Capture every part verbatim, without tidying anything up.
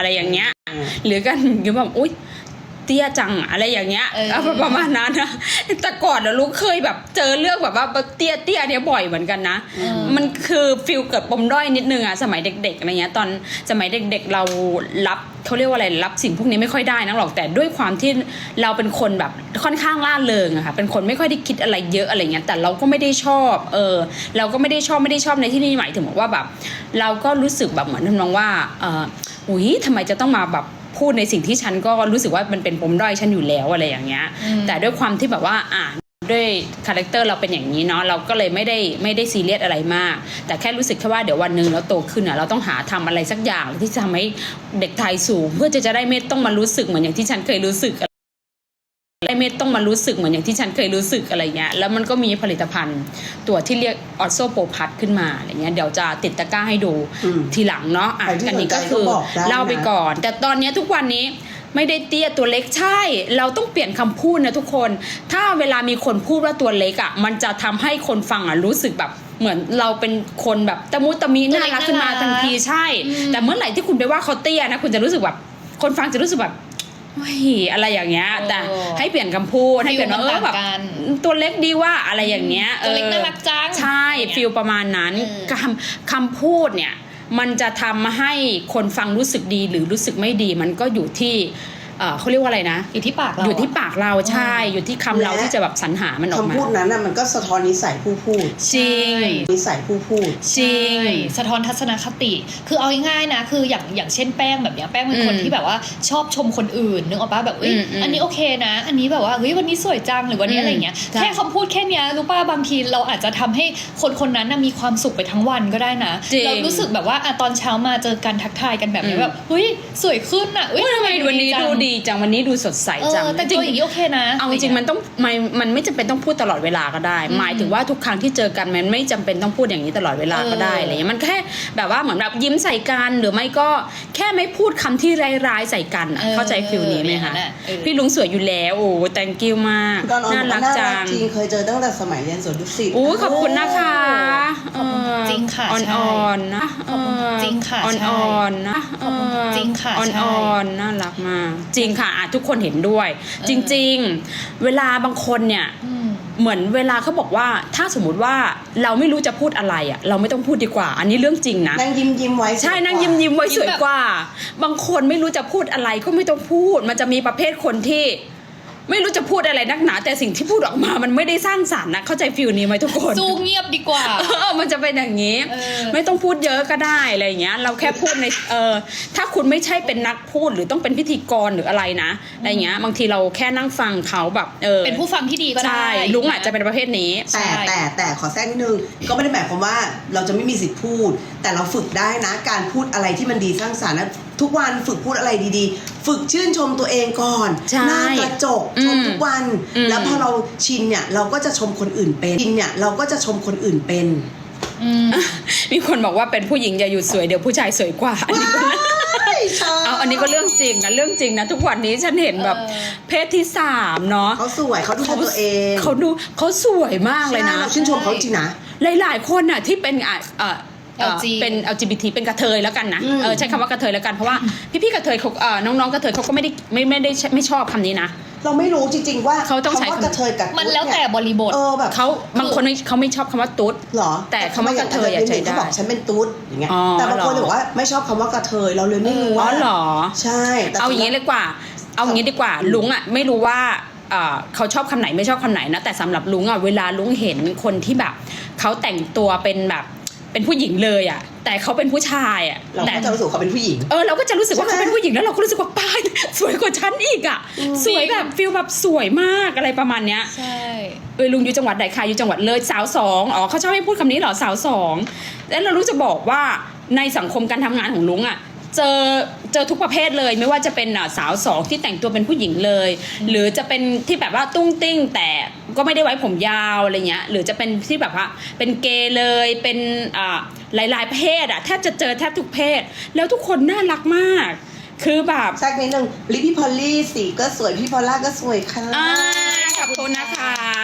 อะไรอย่างเงี้ยหรือกันคือแบบอุ๊ยเตี้ยจังอะไรอย่างเงี้ยประมาณนั้นนะแต่ก่อนนะลูกเคยแบบเจอเรื่องแบบว่าเตี้ยเตี้ยเนี่ยบ่อยเหมือนกันนะมันคือฟิลเกิดปมด้อยนิดนึงอะสมัยเด็กๆอะไรเงี้ยตอนสมัยเด็กๆเรารับเขาเรียกว่าอะไรรับสิ่งพวกนี้ไม่ค่อยได้นักหรอกแต่ด้วยความที่เราเป็นคนแบบค่อนข้างล่าเริงอะค่ะเป็นคนไม่ค่อยได้คิดอะไรเยอะอะไรเงี้ยแต่เราก็ไม่ได้ชอบเออเราก็ไม่ได้ชอบไม่ได้ชอบในที่นี่หมายถึงว่าแบบเราก็รู้สึกแบบเหมือนทำนองว่าเอออุ้ยทำไมจะต้องมาแบบพูดในสิ่งที่ฉันก็รู้สึกว่ามันเป็นปมด้อยฉันอยู่แล้วอะไรอย่างเงี้ยแต่ด้วยความที่แบบว่าอ่าด้วยคาแรคเตอร์เราเป็นอย่างนี้เนาะเราก็เลยไม่ได้ไม่ได้ซีเรียสอะไรมากแต่แค่รู้สึกแค่ว่าเดี๋ยววันหนึ่งเราโตขึ้นอ่ะเราต้องหาทำอะไรสักอย่างที่จะทำให้เด็กไทยสูงเพื่อจะจะได้ไม่ต้องมารู้สึกเหมือนอย่างที่ฉันเคยรู้สึกได้ไม่ต้องมารู้สึกเหมือนอย่างที่ฉันเคยรู้สึกอะไรเงี้ยแล้วมันก็มีผลิตภัณฑ์ตัวที่เรียกออโซโปพัทขึ้นมาอะไรเงี้ยเดี๋ยวจะติดตะกร้าให้ดูทีหลังเนาะอ่ะอันนี้ก็คือเล่าไปก่อนแต่ตอนนี้ทุกวันนี้ไม่ได้เตี้ยตัวเล็กใช่เราต้องเปลี่ยนคำพูดนะทุกคนถ้าเวลามีคนพูดว่าตัวเล็กอ่ะมันจะทำให้คนฟังอ่ะรู้สึกแบบเหมือนเราเป็นคนแบบตะมุตะมีน่ารักขึ้นมาทันทีใช่แต่เมื่อไหร่ที่คุณไปว่าเขาเตี้ยนะคุณจะรู้สึกแบบคนฟังจะรู้สึกแบบเฮ้ยอะไรอย่างเงี้ยแต่ให้เปลี่ยนคำพูดให้เปลี่ยนว่าเออแบบตัวเล็กดีว่าอะไรอย่างเงี้ยตัวเล็กน่ารักจังใช่ฟีลประมาณนั้นคำคำพูดเนี่ยมันจะทำให้คนฟังรู้สึกดีหรือรู้สึกไม่ดีมันก็อยู่ที่เขาเรียกว่าอะไรนะอยู่ที่ปากเราอยู่ที่ปากเราใช่อยู่ที่คำเราที่จะแบบสรรหามันออกมาคำพูดนั้นน่ะมันก็สะท้อนนิสัยผู้พูดจริงนิสัยผู้พูดจริงสะท้อนทัศนคติคือเอาง่ายๆนะคืออย่างอย่างเช่นแป้งแบบเนี้ยแป้งเป็นคนที่แบบว่าชอบชมคนอื่นนึกออกป่ะแบบเอ้ยอันนี้โอเคนะอันนี้แบบว่าเฮ้ยวันนี้สวยจังหรือวันนี้อะไรเงี้ยแค่คำพูดแค่นี้รู้ป่ะบางทีเราอาจจะทำให้คนคนนั้นมีความสุขไปทั้งวันก็ได้นะเรารู้สึกแบบว่าตอนเช้ามาเจอกันทักทายกันแบบนี้แบบเฮ้ยสวยขึ้นอ่ะเฮ้ยทำไมวันนี้ดูดีจังวันนี้ดูสดใสจังแต่จริงอย่างนี้โอเคนะเอาจริงมันต้องมันมันไม่จำเป็นต้องพูดตลอดเวลาก็ได้หมายถึงว่าทุกครั้งที่เจอกันมันไม่จำเป็นต้องพูดอย่างนี้ตลอดเวลาก็ได้อะไรเงี้ยมันแค่แบบว่าเหมือนแบบยิ้มใส่กันหรือไม่ก็แค่ไม่พูดคำที่ร้ายๆใส่กันเข้าใจฟิลนี้ไหมคะพี่ลุงสวยอยู่แล้วโอ้ thank you มากน่ารักจังจริงเคยเจอตั้งแต่สมัยเรียนสวนดุสิตโอ้ขอบคุณนะคะจริงค่ะอ่อนๆนะจริงค่ะอ่อนๆนะจริงค่ะอ่อนๆน่ารักมากจริงค่ะทุกคนเห็นด้วยจริงๆเวลาบางคนเนี่ยเหมือนเวลาเขาบอกว่าถ้าสมมติว่าเราไม่รู้จะพูดอะไรอ่ะเราไม่ต้องพูดดีกว่าอันนี้เรื่องจริงนะนั่งยิ้มยิ้มไว้ใช่นั่งยิ้มยิ้มไว้สวยกว่าบางคนไม่รู้จะพูดอะไรก็ไม่ต้องพูดมันจะมีประเภทคนที่ไม่รู้จะพูดอะไรนักหนาแต่สิ่งที่พูดออกมามันไม่ได้สร้างสรรค์นะเข้าใจฟิลนี้ไหมทุกคนสู้เงียบดีกว่าเออมันจะเป็นอย่างนี้ไม่ต้องพูดเยอะก็ได้อะไรอย่างเงี้ยเราแค่พูดในเออถ้าคุณไม่ใช่เป็นนักพูดหรือต้องเป็นพิธีกรหรืออะไรนะอะไรเงี้ยบางทีเราแค่นั่งฟังเขาแบบเออเป็นผู้ฟังที่ดีก็ได้ลุงอาจจะเป็นประเภทนี้แต่แต่แต่ขอแทรกนิดนึงก็ไม่ได้หมายความว่าเราจะไม่มีสิทธิ์พูดแต่เราฝึกได้นะการพูดอะไรที่มันดีสร้างสรรค์นะทุกวันฝึกพูดอะไรดีๆฝึกชื่นชมตัวเองก่อนหน้ากระจกชมทุกวันแล้วพอเราชินเนี่ยเราก็จะชมคนอื่นเป็นชินเนี่ยเราก็จะชมคนอื่นเป็นมีคนบอกว่าเป็นผู้หญิงอย่าหยุดสวยเดี๋ยวผู้ชายสวยกว่าอันนี้ก็เอาอันนี้ก็เรื่องจริงนะเรื่องจริงนะทุกวันนี้ฉันเห็นแบบเพศที่สามเนาะเขาสวยเขาดูตัวเองเขาดูเขาสวยมากเลยนะชื่นชมเขาจริงนะหลายๆคนน่ะที่เป็นอ่ะเป็น แอล จี บี ที เป็นกระเทยแล้วกันนะเออใช้คำว่ากระเทยแล้วกันเพราะว่าพี่ๆกระเทยเขาเอ่อน้องๆกระเทยเขาก็ไม่ได้ไม่ไม่ได้ไม่ชอบคำนี้นะเราไม่รู้จริงๆว่าเขาต้องใช้คำว่ากระเทยกับมันแล้วแต่บริบทเออแบบเขาบางคนเขาไม่ชอบคำว่าตุ๊ดหรอแต่คำว่ากระเทยใช้ได้เขาบอกฉันเป็นตุ๊ดอย่างเงี้ยแต่บางคนบอกว่าไม่ชอบคำว่ากระเทยเราเลยไม่รู้ว่าอ๋อหรอใช่เอาอย่างนี้เลยกว่าเอาอย่างนี้ดีกว่าลุงอ่ะไม่รู้ว่าเขาชอบคำไหนไม่ชอบคำไหนนะแต่สำหรับลุงอ่ะเวลาลุงเห็นคนที่แบบเขาแต่งตัวเป็นแบบเป็นผู้หญิงเลยอ่ะแต่เขาเป็นผู้ชายอ่ะเราก็จะรู้สึกเขาเป็นผู้หญิงเออเราก็จะรู้สึกว่าเขาเป็นผู้หญิงแล้วเราก็รู้สึกว่าป้ายสวยกว่าฉันอีกอ่ะสวยแบบฟีลแบบสวยมากอะไรประมาณเนี้ยใช่เออลุงอยู่จังหวัดไหนคะอยู่จังหวัดเลยสาวสองอ๋อเขาชอบให้พูดคำนี้เหรอสาวสองแล้วเรารู้จะบอกว่าในสังคมการทำงานของลุงอ่ะเจอเจอทุกประเภทเลยไม่ว่าจะเป็นสาวสองที่แต่งตัวเป็นผู้หญิงเลยหรือจะเป็นที่แบบว่าตุ้งติ้งแต่ก็ไม่ได้ไว้ผมยาวอะไรเงี้ยหรือจะเป็นที่แบบว่าเป็นเกย์เลยเป็นอ่าหลายๆเพศอ่ะแทบจะเจอแทบทุกเพศแล้วทุกคนน่ารักมากคือแบบสักนิดนึงลิปพี่พอลลี่สีก็สวยพี่พอลล่าก็สวยค่ะขอบคุณนะคะ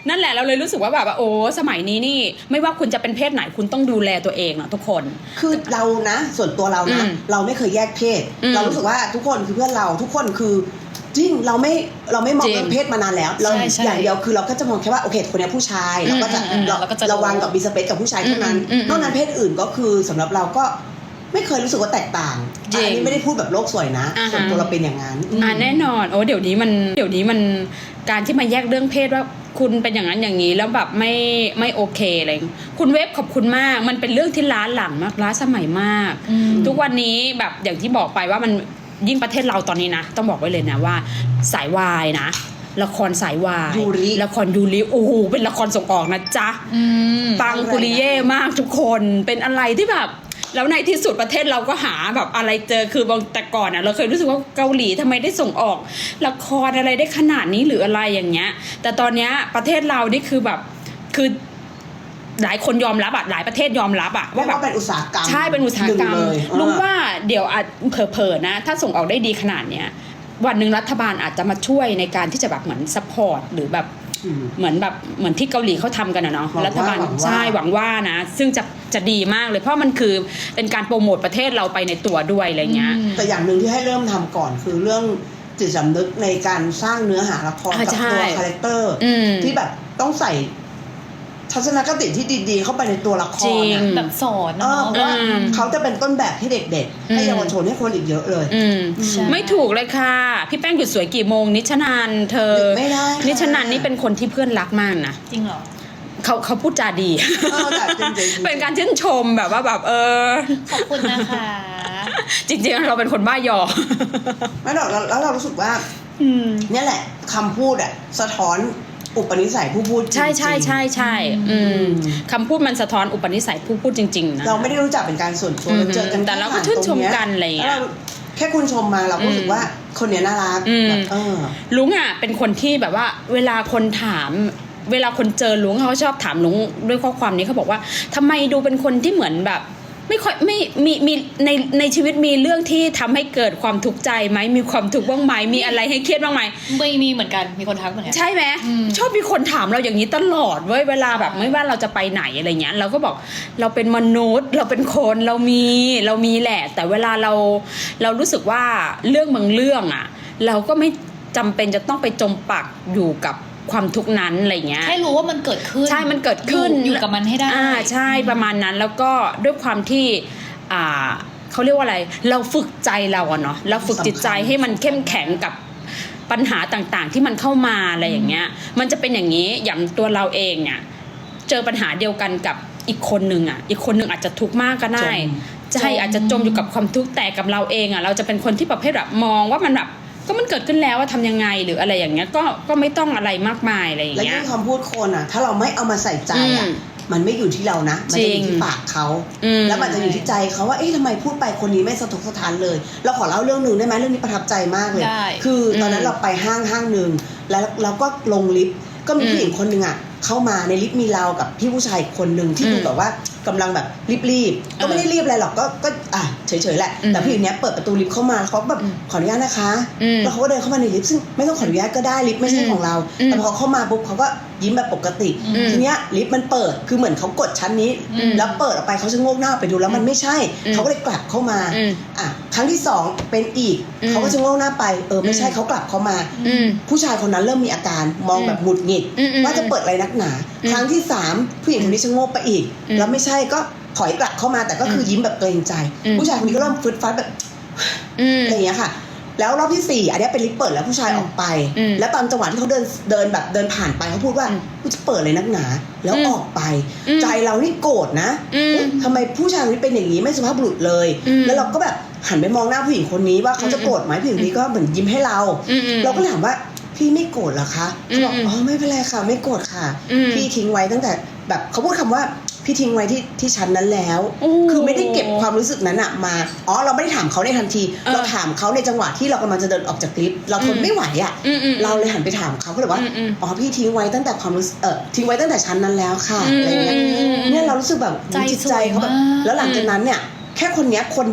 นั่นแหละเราเลยรู้สึกว่าแบบว่าโอ้สมัยนี้นี่ไม่ว่าคุณจะเป็นเพศไหนคุณต้องดูแลตัวเองเนาะทุกคนคือเรานะส่วนตัวเรานะอืมเราไม่เคยแยกเพศอืมเรารู้สึกว่าทุกคนคือเพื่อนเราทุกคนคือจริงเราไม่เราไม่มองจริงเรื่องเพศมานานแล้วเราใช่ใช่อย่างเดียวคือเราก็จะมองแค่ว่าโอเคคนนี้ผู้ชายเราก็จะอืมอืมเราเราก็จะระวังกับมีสเปซกับผู้ชายเท่านั้นอืมอืมนอกนั้นเพศอื่นก็คือสำหรับเราก็ไม่เคยรู้สึกว่าแตกต่างจริงอันนี้ไม่ได้พูดแบบโลกสวยนะอ่าฮะส่วนตัวเราเป็นอย่างนั้นอ่าแน่นอนโอ้เดี๋ยวนี้มันเดี๋ยวนี้มันการที่มาแยกเรื่องเพศว่าคุณเป็นอย่างนั้นอย่างนี้แล้วแบบไม่ไม่โอเคอะไรคุณเวฟขอบคุณมากมันเป็นเรื่องที่ล้าหลังมากล้าสมัยมากอืมทุกวันนี้แบบอย่างที่บอกไปว่ามันยิ่งประเทศเราตอนนี้นะต้องบอกไว้เลยนะว่าสายวายนะละครสายวายยูริละครยูริโอ้โหเป็นละครส่งออกนะจ๊ะอืมปังปุริเย่มากทุกคนเป็นอะไรที่แบบแล้วในที่สุดประเทศเราก็หาแบบอะไรเจอคือบางแต่ก่อนอ่ะเราเคยรู้สึกว่าเกาหลีทำไมได้ส่งออกละครอะไรได้ขนาดนี้หรืออะไรอย่างเงี้ยแต่ตอนเนี้ยประเทศเรานี่คือแบบคือหลายคนยอมรับอ่ะหลายประเทศยอมรับอ่ะว่าว่าแบบเป็นอุตสาหกรรมใช่เป็นอุตสาหกรรมหนึ่งเลยลุงเออว่าเดี๋ยวอาจเผลอๆนะถ้าส่งออกได้ดีขนาดเนี้ยวันหนึ่งรัฐบาลอาจจะมาช่วยในการที่จะแบบเหมือนซัพพอร์ตหรือแบบอืมเหมือนแบบเหมือนที่เกาหลีเขาทำกันอะเนาะหวังว่ารัฐบาลหวังว่าใช่หวังว่านะซึ่งจะจะดีมากเลยเพราะมันคือเป็นการโปรโมทประเทศเราไปในตัวด้วยอะไรเงี้ยอืมแต่อย่างหนึ่งที่ให้เริ่มทำก่อนคือเรื่องจิตสำนึกในการสร้างเนื้อหาละครอ่ากับใช่ตัวคาแรคเตอร์อืมที่แบบต้องใส่ทัศนคติที่ดีๆ เข้าไปในตัวละคจริรง อะแบบสอนเอนะอเนาะว่าอืมเขาจะเป็นต้นแบบให้เด็กๆ ให้อืมเยาวชนให้คนอีกเยอะเลยอืมใช่ไม่ถูกเลยค่ะ พี่แป้งหยุดสวยกี่โมงนิชนันเธอหยุดไม่ได้ค่ะนิชนันนี่เป็นคนที่เพื่อนรักมากนะจริงเหรอเขาเขาพูดจาดีเออแต่จริงๆเป็นการชื่นชมแบบว่าแบบเออขอบคุณนะคะจริงๆเราเป็นคนบ้ายอไม่หรอกแล้วแล้วเรารู้สึกว่าอืมเนี่ยแหละคำพูดอะสะท้อนอุปนิสัยผู้พูดจริงๆใช่ใช่ใช่ใช่อืมคำพูดมันสะท้อนอุปนิสัยผู้พูดจริงๆนะเราไม่ได้รู้จักเป็นการส่วนตัวอืมเราเจอกันแต่เราก็ชื่นชมกันอะไรอย่างเงี้ยแล้วแค่คุณชมมาเราก็รู้สึกว่าคนเนี้ยน่ารักอืมแบบเออลุงอ่ะเป็นคนที่แบบว่าเวลาคนถาม เวลาคนเจอลุงเขาชอบถามลุงด้วยข้อความนี้เขาบอกว่าทำไมดูเป็นคนที่เหมือนแบบ ไม่ค่อยไม่มีมีในในชีวิตมีเรื่องที่ทำให้เกิดความทุกข์ใจไหมมีความทุกข์บ้างไหมมีอะไรให้เครียดบ้างไหมไม่มีเหมือนกันมีคนทักเหมือนกันใช่ไหมอืมชอบมีคนถามเราอย่างนี้ตลอดเว้ยเวลาแบบใช่ไม่ว่าเราจะไปไหนอะไรเงี้ยเราก็บอกเราเป็นมนุษย์ เราเป็นคนเรามีเรามีแหละ แต่เวลาเราเรารู้สึกว่าเรื่องบางเรื่องอ่ะ เราก็ไม่จำเป็นจะต้องไปจมปักอยู่กับความทุกข์นั้นอะไรเงี้ยแค่รู้ว่ามันเกิดขึ้นใช่มันเกิดขึ้นอยู่อยู่กับมันให้ได้อ่าใช่ประมาณนั้นแล้วก็ด้วยความที่อ่าเขาเรียกว่าอะไร เราฝึกใจเราอะเนาะเราฝึกจิตใจให้มันเข้มแข็งกับปัญหาต่างๆ ที่มันเข้ามาอะไรอย่างเงี้ย มันจะเป็นอย่างนี้อย่างตัวเราเองเนี่ยเจอปัญหาเดียวกันกับอีกคนหนึ่งอะอีกคนหนึ่งอาจจะทุกข์มากก็ได้จมใช่อาจจะจมอยู่กับความทุกข์แต่กับเราเองอะเราจะเป็นคนที่ประเภทแบบมองว่ามันแบบก็มันเกิดขึ้นแล้วว่าทำยังไงหรืออะไรอย่างเงี้ยก็ก็ไม่ต้องอะไรมากมายอะไรอย่างและเงี้ยิ่ยงคำพูดคนอ่ะ ถ้าเราไม่เอามาใส่ใจอ่ะอืมมันไม่อยู่ที่เรานะมันจะอจริยู่งที่ปากเขาอืมแล้วมันจะอยู่ที่ใจเขาว่าเอ๊ะทำไมพูดไปคนนี้ไม่สะทกสะท้านเลย เราขอเล่าเรื่องหนึ่งได้ไหมเรื่องนี้ประทับใจมากเลยได้คือตอนนั้นเราไปห้างห้างหนึ่งแล้วเราก็ลงลิฟต์ก็มีผู้หญิงคนหนึ่งอ่ะเข้ามาในลิฟต์มีเรากับพี่ผู้ชายคนหนึ่งที่ดูแบบว่ากำลังแบบรีบๆก็ไม่ได้รีบอะไรหรอกก็ก็อ่ะเฉยๆแหละอืมแต่ผู้หญิงเนี้ยเปิดประตูลิฟต์เข้ามาเขาแบบอืมขออนุญาตนะคะอืมแล้วเขาก็เดินเข้ามาในลิฟต์ซึ่งไม่ต้องขออนุญาตก็ได้ลิฟต์ไม่ใช่ของเราอืมแต่พอเข้ามาปุ๊บเขาก็ยิ้มแบบปกติอืมทีเนี้ยลิฟต์มันเปิดคือเหมือนเขากดชั้นนี้อืมแล้วเปิดออกไปเขาจะโงกหน้าไปดูแล้วมันไม่ใช่อืมเขาก็เลยกลับเข้ามาอืมอ่ะครั้งที่สองเป็นอีกอืมเขาก็จะโงกหน้าไปเออไม่ใช่อืมเขากลับเข้ามาอืมผู้ชายคนนั้นเริ่มมีอาการมองแบบหงุดหงิดอืมอืมว่าจะเปิดอะไรนักหนาอืมครั้งที่สามผู้หญิงคนนี้ชะโงกไปอีกอืมแล้วไม่ใช่ก็ถอยกลับเข้ามาแต่ก็คือยิ้มแบบเกรงใจอืมผู้ชายคนนี้ก็เริ่มฟึดฟัดแบบอืมอะไรอย่างเงี้ยค่ะ แล้วรอบที่สี่อันเนี้ยเป็นลิฟต์เปิดแล้วผู้ชายออกไปอืมแล้วตอนจังหวะที่เขาเดินเดินแบบเดินผ่านไปเขาพูดว่าอืมกูจะเปิดเลยนักหนา แล้วอืมออกไปอืมใจเรานี่โกรธนะอืมเอ๊ะทำไมผู้ชายคนนี้เป็นอย่างนี้ไม่สุภาพบุรุษเลยอืมแล้วเราก็แบบหันไปมองหน้าผู้หญิงคนนี้ว่าเขาจะโกรธไหมผู้หญิงคนนี้ก็เหมือนยิ้มให้เราอืมอืมเราก็เลยถามว่าพี่ไม่โกรธเหรอคะเขาบอกอืมอ๋อไม่เป็นไรค่ะไม่โกรธค่ะอืมพี่ทิ้งไว้ตั้งแต่แบบเขาพูดคำว่าพี่ทิ้งไว้ที่ที่ชั้นนั้นแล้วโอ้คือไม่ได้เก็บความรู้สึกนั้นอะมาอ๋อเราไม่ได้ถามเขาในทันทีเออเราถามเขาในจังหวะที่เรากำลังจะเดินออกจากลิฟต์เราทนอืมไม่ไหวอะอืมอืมเราเลยหันไปถามเขาก็เลยว่าอืมอืมอ๋อพี่ทิ้งไว้ตั้งแต่ความรู้สึกเออทิ้งไว้ตั้งแต่ชั้นนั้นแล้วค่ะอะไรเงี้ยอืมอืมอืมเนี่ยเรารู้สึกแบบใจจิตใจเขาแบบสวยมากแล้วหลังจากนั้นเนี่ยแค่คนเนี้ยคน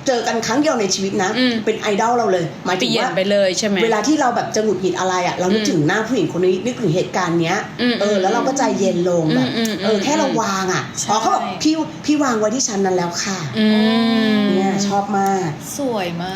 เจอกันครั้งเดียวในชีวิตนะอืมเป็นไอดอลเราเลยหมายเปถึงลี่ยนว่าไปเลยใช่ไหมเวลาที่เราแบบจะหงุดหงิดอะไรอ่ะเรานึกอืมถึงหน้าผู้หญิงคนนี้นึกถึงเหตุการณ์เนี้ยอืมเออแล้วเราก็ใจเย็นลงแบบอืมอืมเออแค่เราวางอ่ะอ๋อเขาบอกพี่พี่วางไว้ที่ชั้นนั้นแล้วค่ะอืมเนี่ยชอบมากสวยมาก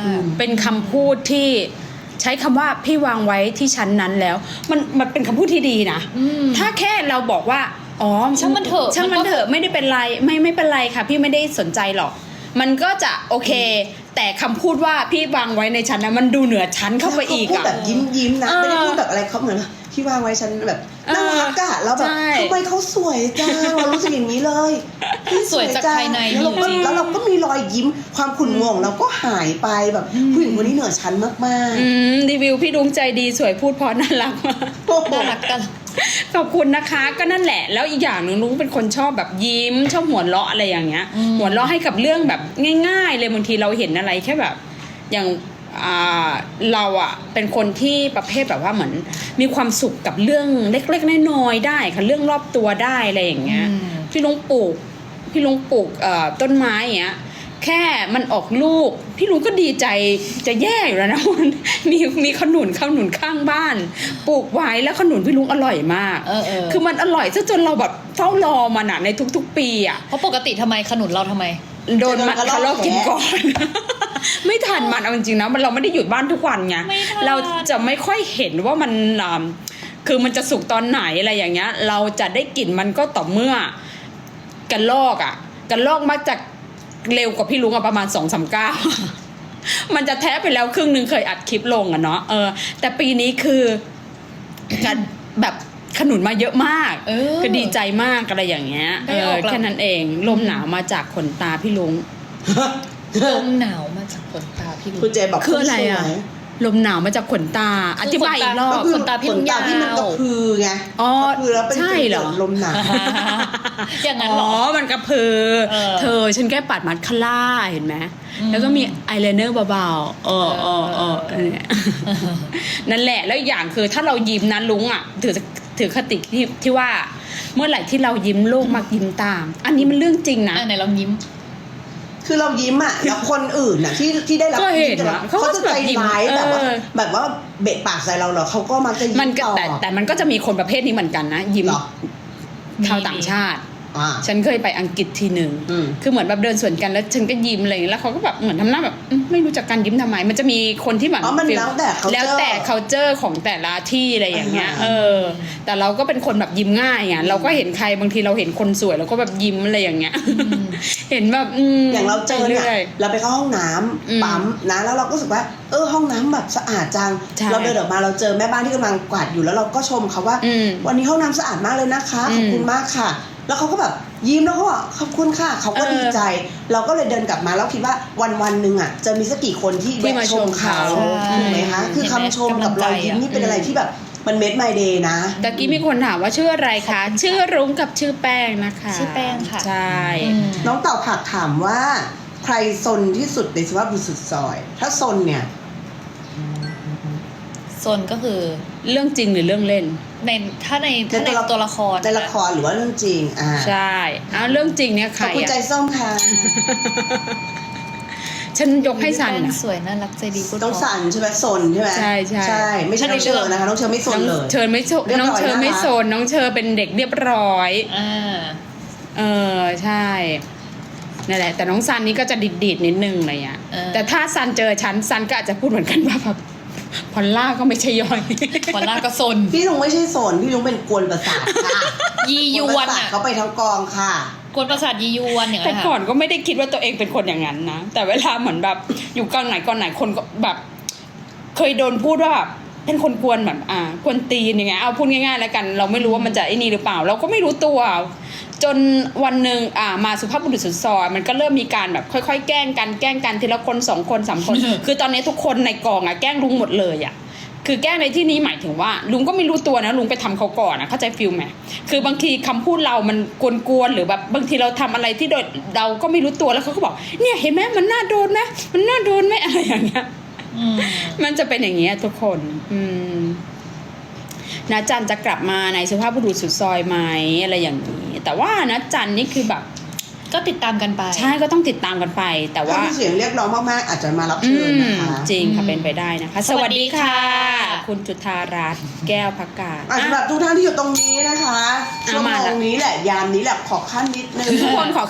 เป็นคำพูดที่ใช้คำว่าพี่วางไว้ที่ชั้นนั้นแล้ว มันมันเป็นคำพูดที่ดีนะอืมถ้าแค่เราบอกว่าอ๋อช่างมันเถอะช่างมันเถอะไม่ได้เป็นไรไม่ไม่เป็นไรค่ะ พี่ไม่ได้สนใจหรอก มันก็จะโอเค แต่คำพูดว่าพี่วางไว้ในชั้นนะมันดูเหนือชั้นเข้าไปอีกเขาพูดอะแบบยิ้มยิ้มๆนะเออไม่ได้พูดแบบอะไรเขาเหมือนพี่วางไว้ฉันแบบเออน่ารักอะแล้วแบบใช่ทำไมเขาสวยจังเรารู้สึกอย่างนี้เลยพี่สวยจากภายในแล้วเราก็จริงๆแล้วเราก็มีรอยยิ้มความขุ่นงงเราก็หายไปแบบผู้หญิงคนนี้เหนือชั้นมากอืมรีวิวพี่ดวงใจดีสวยพูดเพราะน่ารักมากๆโอ้โหน่ารักกันขอบคุณนะคะก็นั่นแหละ แล้วอีกอย่างหนึ่งนุ้งเป็นคนชอบแบบยิ้มชอบหัวเราะอะไรอย่างเงี้ยอืมหัวเราะให้กับเรื่องแบบง่าย ๆ เลยบางทีเราเห็นอะไรแค่แบบอย่างอ่าเราอะเป็นคนที่ประเภทแบบว่าเหมือนมีความสุขกับเรื่องเล็กๆน้อยๆได้ค่ะเรื่องรอบตัวได้อะไรอย่างเงี้ยอืมพี่ลุงปลูกพี่ลุงปลูกเอ่อต้นไม้อย่างเงี้ยแค่มันออกลูก พี่ลุงก็ดีใจจะแย่อยู่แล้วนะ มันมีมีขนุนขนุนข้างบ้าน ปลูกไว้แล้วขนุนพี่ลุงอร่อยมากเออเออคือมันอร่อยซะจนเราแบบเฝ้ารอมันอะในทุกๆ ปีอะเพราะปกติทำไมขนุนเราทำไมโดนมันเขาลอกกินก่อน ไม่ทันมันเอาจริงๆนะมันเราไม่ได้หยุดบ้านทุกวันไงไม่ทันเราจะไม่ค่อยเห็นว่ามันอ่าคือมันจะสุกตอนไหนอะไรอย่างเงี้ย เราจะได้กลิ่นมันก็ต่อเมื่อกันลอกอะกันลอกมักจะเร็วกว่าพี่ลุงอะประมาณสองสามเก้า มันจะแท้ไปแล้วครึ่งหนึ่งเคยอัดคลิปลงอะเนาะเออ แต่ปีนี้คือกันแบบขนุนมาเยอะมากเออคือดีใจมากอะไรอย่างเงี้ยได้เออออกแล้วแค่นั้นเองลมหนาวมาจากขนตาพี่ลุงลมหนาวมาจากขนตาพี่ลุงคุณเจบอกคืออะไรอะสวยลมหนาวมาจากขนตา อธิบายอีกรอก็บคือขนตาพี่ลุงขนตาที่มันยาวกระพือไงอ๋อกระพือแล้วเป็นใช่เหรอจุดลมหนาวอย่างนั้นอ๋เหรออมันกระพือเออเธอฉันแค่ปัดมัดคาร่าเห็นไหมอืมแล้วก็มีอายไลเนอร์เบาๆเออเออเออเออเนี่ย นั่นแหละแล้วอีกอย่างคือถ้าเรายิ้มนะลุงอ่ะถือถือคติที่ที่ว่า เมื่อไหร่ที่เรายิ้มโลกมักยิ้มตาม อันนี้มันเรื่องจริงนะอ่ะไหนลองยิ้มคือเรายิ้มอ่ะแล้วคนอื่นน่ะที่ที่ได้รับก็เห็นยิ้มนะเขาจะใจร้ายเขาก็แบบว่าเออแบบว่าเบะปากใส่เราเหรอเขาก็มักจะยิ้มันมก็ต่อแต่แต่มันก็จะมีคนประเภทนี้เหมือนกันนะ ยิ้มเหรอชาวต่างชาติอ่าฉันเคยไปอังกฤษทีหนึ่งอืมคือเหมือนแบบเดินสวนกันแล้วฉันก็ยิ้มอะไรอย่างเงี้ยแล้วเขาก็แบบเหมือนทำหน้าแบบอืมไม่รู้จักการยิ้มทำไม มันจะมีคนที่แบบอ๋อมันแล้วแต่ culture แล้วแต่ culture ของแต่ละที่อะไรอย่างเงี้ยอ่าเออ แต่เราก็เป็นคนแบบยิ้มง่ายอ่ะ เราก็เห็นใครบางทีเราเห็นคนสวยเราก็แบบยิ้มอะไรอย่างเงี้ย เห็นแบบอืมอย่างเราเจอเนี่ยไปรื่เราไปเข้าห้องน้ำอืมปั๊มนะแล้วเราก็รู้สึกว่าเออห้องน้ำแบบสะอาดจังใช่เราเดินออกมาเราเจอแม่บ้านที่กำลังกวาดอยู่แล้วเราก็ชมเขาว่าอืมวันนี้ห้องน้ำสะอาดมากเลยนะคะขอบคุณมากค่ะ แล้วเขาก็แบบยิ้มแล้วก็บอกขอบคุณค่ะเขาก็เออดีใจ เราก็เลยเดินกลับมาแล้วคิดว่าวันวันๆหนึ่งอ่ะจะมีสักกี่คนที่ที่มาแวะชมเขาใช่ถูกไหมคะคือคำชมกับรอยยิ้มนี่เป็นอะไรที่แบบมันเม็ดไมเดย์นะตะกี้มีคนถามว่าชื่ออะไรคะ ชื่อรุ้งกับชื่อแป้งนะคะชื่อแป้งค่ะใช่อืมน้องเต่าผักถามว่าใครซนที่สุดในสุภาพบุรุษสุดซอย ถ้าซนเนี่ยโซนก็คือเรื่องจริงหรือเรื่องเล่นในถ้าในถ้าในตัวละครในละครหรือว่าเรื่องจริงอ่าใช่อ้าวเรื่องจริงเนี่ยใคขรอบคุณใจอ่ะส้มค่ะฉันยกให้ซันแป้งนะสวยน่ารักใจดีพูดต้องเพราะสันใช่ไหมซนใช่ไหมใช่ใช่ใช่ไม่ใช่น้องเชอร์นะคะน้องเชอร์ไม่ซนน้องเลยเชิญไม่โซเรียบร้อยน้องเชิญไม่นะคะโซนน้องเชอเป็นเด็กเรียบร้อยอ่าเออใช่นั่นแหละแต่น้องซันนี่ก็จะดิดดิดๆนิดนึงอะไรเงี้ยเออแต่ถ้าซันเจอฉันซันก็อาจจะพูดเหมือนกันว่าแบบพอลล่าก็ไม่ใช่ย่อยพอลล่าก็โซนพี่ลุงไม่ใช่ซนพี่ลุงเป็นกวนประสาทค่ะยียกววนนประสาทอ่ะเขาไปทั้งกองค่ะกวนประสาทยียวนอย่างแต่นั้นก่อค่ะนก็ไม่ได้คิดว่าตัวเองเป็นคนอย่างนั้นนะแต่เวลาเหมือนแบบอยู่กองไหนกองไหนคนก็แบบ เคยโดนพูดว่าแบบเป็นคนกวนแบบอ่ากวนตีนอย่างเงี้ยเอาพูดง่ายๆแล้วกัน เราไม่รู้ว่ามันจะไอ้นี่หรือเปล่า เราก็ไม่รู้ตัว จนวันหนึ่งอ่ามาสุภาพบุรุษสุดซอยมันก็เริ่มมีการแบบค่อยๆแกล้งกันแกล้งกันทีละคนสองคนสามคน คือตอนนี้ทุกคนในกองอ่ะแกล้งลุงหมดเลยอ่ะคือแกล้งในที่นี้หมายถึงว่าลุงก็ไม่รู้ตัวนะลุงไปทำเขาก่อนนะเข้าใจฟิลไหมคือบางทีคำพูดเรามันกวนๆหรือแบบบางทีเราทำอะไรที่โดยเราก็ไม่รู้ตัวแล้วเขาก็บอกเนี่ยเห็นไหมมันน่าโดนไหมมันน่าโดนไหมอะไรอย่างเงี้ยอืมมันจะเป็นอย่างเงี้ยทุกคน อืมนะจันจะกลับมาในสุภาพบุรุษสุดซอยไหมอะไรอย่างนี้ แต่ว่านะจันนี่คือแบบก็ก็ติดตามกันไปใช่ก็ต้องติดตามกันไป แต่ถ้าว่ามีเสียงเรียกร้องมากๆอาจจะมารับอืเชิญมนะคะจริงค่ะอืมเป็นไปได้นะคะสวัสดีค่ะคุณจุธารัตน์แก้วพักกาศอ่ะสำหรับทุกท่านที่อยู่ตรงนี้นะคะอ่ะชั่วโมมาละงนี้แหละยามนี้แหละขอขั้นนิดนึงทุกคนขอ